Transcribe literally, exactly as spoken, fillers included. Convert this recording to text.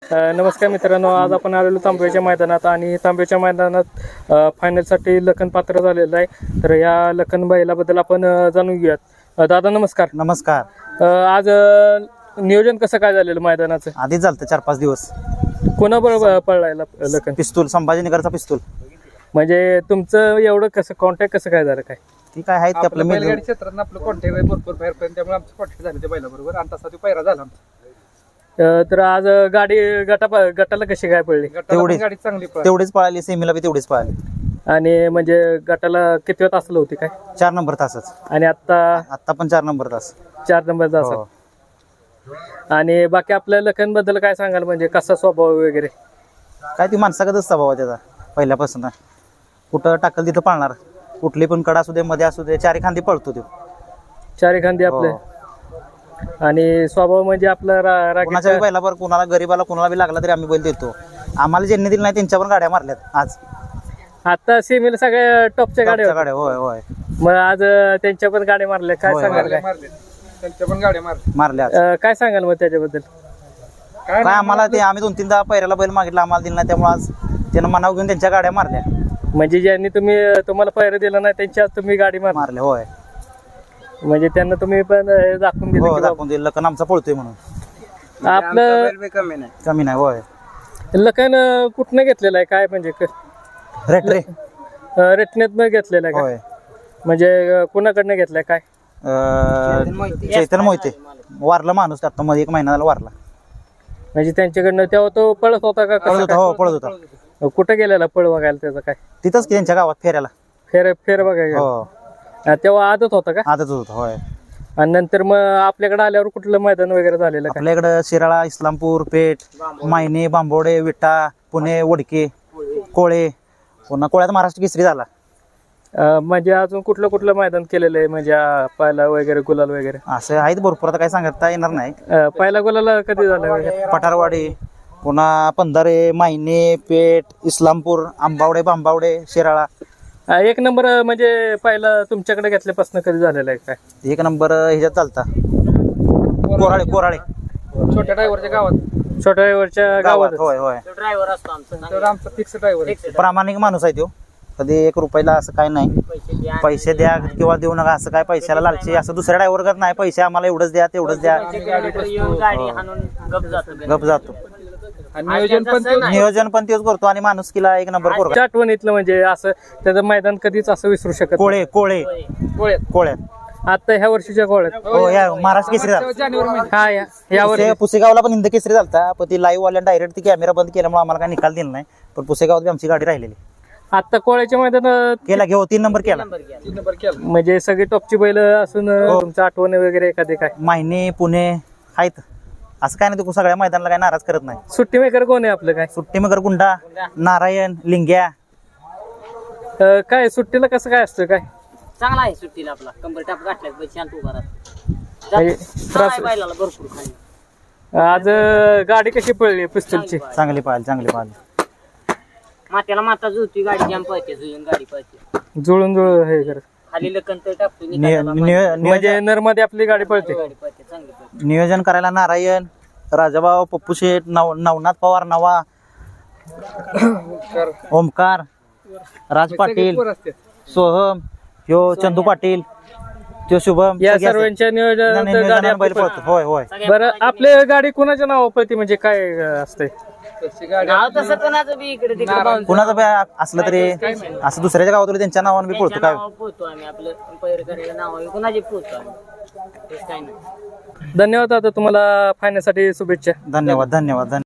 अ, नमस्कार मित्रांनो, आज आपण आलेलो तांब्याच्या मैदानात आणि तांब्याच्या मैदानात अ, फायनलसाठी लखन पात्र झालेलं आहे. तर या लखन बैलाबद्दल आपण अ, जाणून घेऊयात. अ, दादा नमस्कार. नमस्कार. अ, आज अ, नियोजन कसं काय झालेलं मैदानाचं? आधीच झालं चार पाच दिवस. कोणाबरोबर पळलाय ल- लखन? पिस्तूल, संभाजीनगरचा पिस्तूल. म्हणजे तुमचं एवढं कसं कॉन्टॅक्ट कसं काय झालं काय? ती काय आहेत ते आपलं मेल. बैलगाडी क्षेत्रात आपलं कॉन्टॅक्ट आहे भरपूर बाहेर पण त्यामुळे आमचं कॉन्टॅक्ट झालं त्या बैलाबरोबर आणि तसा तो पैरा झाला आमचा. अ, तर आज गाडी गटा गटाला कशी काय पडली गटाला पण तेवढीच. गाडी चांगली पळाली. तेवढीच पळाली, सेमीला बी तेवढीच पळाली. आणि म्हणजे गटाला किती वेळ तासलं होती काय? चार नंबर तासच. आणि आता आता पण चार नंबर तास. चार नंबरचा हो. असेल. आणि बाकी आपल्या लखन बद्दल काय सांगाल, म्हणजे कसा स्वभाव वगैरे? काय ती माणसागतच स्वभाव आहे त्याचा पहिल्यापासून. कुठं टाकल तिथं पळणार. कुठली पण कडा असू दे, मध्ये असू दे, चारी खांदी पळतो तो. चारी खांदी आपले. हो. आणि स्वभाव म्हणजे आपला रा- कुणाच्या रागीचा- बी बैलावर कुणाला गरीबाला कुणाला बी लागला तरी आम्ही बैल देतो. आम्हाला ज्यांनी दिली नाही त्यांच्यावर गाड्या मारल्यात आज. आता सेमीला सगळ्या टॉपच्या गाड्या टॉपच्या होत्या. गाड्या. होय होय मग आज अं, त्यांच्या पण गाड्या मारल्या, काय होय, सांगाल मारले काय? मारले त्यांच्या पण गाड्या मारल्या. मारल्यात. अं, काय सांगाल मग त्याच्याबद्दल? काय काय आम्हाला ते आम्ही दोन तीनदा पैऱ्याला बैल मागितला, आम्हाला दिला नाही, त्यामुळे आज त्यानं मनाव घेऊन त्यांच्या गाड्या मारल्या. म्हणजे ज्यांनी तुम्ही तुम्हाला पैर दिलं नाही त्यांच्या तुम्ही गाडी मार मारले. होय म्हणजे त्यांना तुम्ही पण अं, दाखवून दिलं हो की दाखवून दिलं. लखन आमचा पळतोय म्हणून. बाबा आपलं कमी नाही. कमी नाही. होय लखन अं, कुठनं घेतलेलं आहे काय, म्हणजे रेट रे. रेटनेतनं घेतलेलं आहे का? होय. म्हणजे अं, कुणाकडनं घेतलंय काय? अं, चैतन्य मोहिते वारला माणूस आता मध्ये एक महिना झाला वारला. म्हणजे त्यांच्याकडनं तेव्हा तो पळत होता का पळत कसं होता. हो पळत होता. काय? कुठं गेलेला पळ बघायला त्याचं काय? तिथंच की त्यांच्या गावात फेऱ्याला. फेर फेर बघायला हो अं, तेव्हा आदत होता का? आजच होता. होय. आणि नंतर मग आपल्याकडे आल्यावर कुठलं मैदान वगैरे झालेलं का? आपल्या इकडं शिराळा, इस्लामपूर, पेठ, मायने, बांबोडे, विटा, पुणे, वडके, कोळे. पुन्हा कोळ्यात महाराष्ट्र केसरी झाला. अं, म्हणजे अजून कुठलं कुठलं मैदान केलेलं आहे, म्हणजे अं, पहिला वगैरे गुलाल वगैरे? असं आहेत भरपूर, आता काय सांगता येणार नाही. अं, पहिला गुलाल कधी झालं वगैरे? पठारवाडी, पुन्हा पंधारे, मायने, पेठ, इस्लामपूर, आंबावडे, बांबावडे, शिराळा. अं, एक नंबर अं, म्हणजे पहिला तुमच्याकडे घेतल्यापासून कधी झालेलं आहे काय? एक नंबर ह्याच्यात चालता कोराळे. कोराळे छोट्या ड्रायव्हरच्या गावात छोट्या वरच्या गावात. होय होय. ड्रायव्हर असतो आमचा तर आमचा फिक्स ड्रायव्हर प्रामाणिक माणूस आहे तो. कधी एक रुपयाला असं काय नाही, पैसे द्या किंवा देऊ नका असं काय, पैशाला लालची असं दुसऱ्या ड्रायव्हर करत नाही. पैसे आम्हाला एवढंच द्या तेवढंच द्या, गाडी हाणून गप जातो. गप जातो. आणि नियोजन पण ते- नियोजन पण तेच करतो आणि माणूस किला एक नंबर पोरगा. त्या आठवणीतलं म्हणजे असं त्याचं मैदान कधीच असं विसरू शकत नाही. कोळे कोळे गोळ्यात. कोळ्यात. आता ह्या वर्षीच्या गोळ्यात हो या महाराष्ट्र केसरी झाला. जानेवारी महिन्यात. हा या या वर्षी पुसे- पुसेगावला पण हिंद केसरी झालता, पण ती लाईव्ह वाल्या डायरेक्ट ती कॅमेरा बंद केल्यामुळे आम्हाला काय निकाल दिला नाही. पण पुसेगावात बी आमची गाडी राहिलेली. आता कोळ्याच्या मैदानात केला घेऊ तीन नंबर केला. तीन नंबर केला. म्हणजे सगळी टॉपची बैल असून हो. तुमचं आठवण वगैरे एखादी काय? मायने, पुणे आहेत. असं काय नाही, तू सगळ्या मैदानाला काय नाराज करत नाही. सुट्टी मेकर कोण आहे आपलं काय? सुट्टी मगर गुंडा, नारायण, लिंग्या. अं, काय सुट्टीला कसं काय असतं काय? चांगला आहे सुट्टीला आपला कंबर टाप गाठल्यात बैल शांत उभा राहतो. म्हणजे चांगला त्रास आहे बैलाला भरपूर खाली. आज अं, गाडी कशी पडली पिस्तूलची? चांगली पाहिजे, चांगली पाहिजे. मात्याला माता जुळती गाडी जाम पळते, जुळून गाडी पळते. जुळून जुळून हे करत. खाली लकन तर टाकतो नि- निकालाला नियो- माहिती. नियोजन म्हणजे नरमध्ये आपली गाडी पळते. गाडी पळते चांगली पळते. नियोजन करायला नारायण, राजाभाऊ, पप्पू शेठ, नव नवनाथ पवार, नवा, ओमकार, राज पाटील, पोरं असतात. सोहम, ह्यो चंदू पाटील, त्यो शुभम. या सगळे असतात. सर्वांच्या नियोजनात गाडी नियोजनानं बैल आपली पळतो. होय होय. पळते. बरं, आपली गाडी कुणाच्या नावावर पळते, म्हणजे काय अं, असतंय? तशी गाडी नाव तसं कोणाचं बी इकडे तिकडे पाहून कुणाचं बी असलं तरी असं दुसऱ्याच्या गावात त्यांच्या नावानं बी पळतो काय. पोहतो आम्ही आपलं पैर करायला नाव आहे कुणाचे पोहतो आम्ही. तेच काय नाही. धन्यवाद. आता तुम्हाला फायनलसाठी शुभेच्छा. धन्यवाद धन्यवाद धन्यवाद.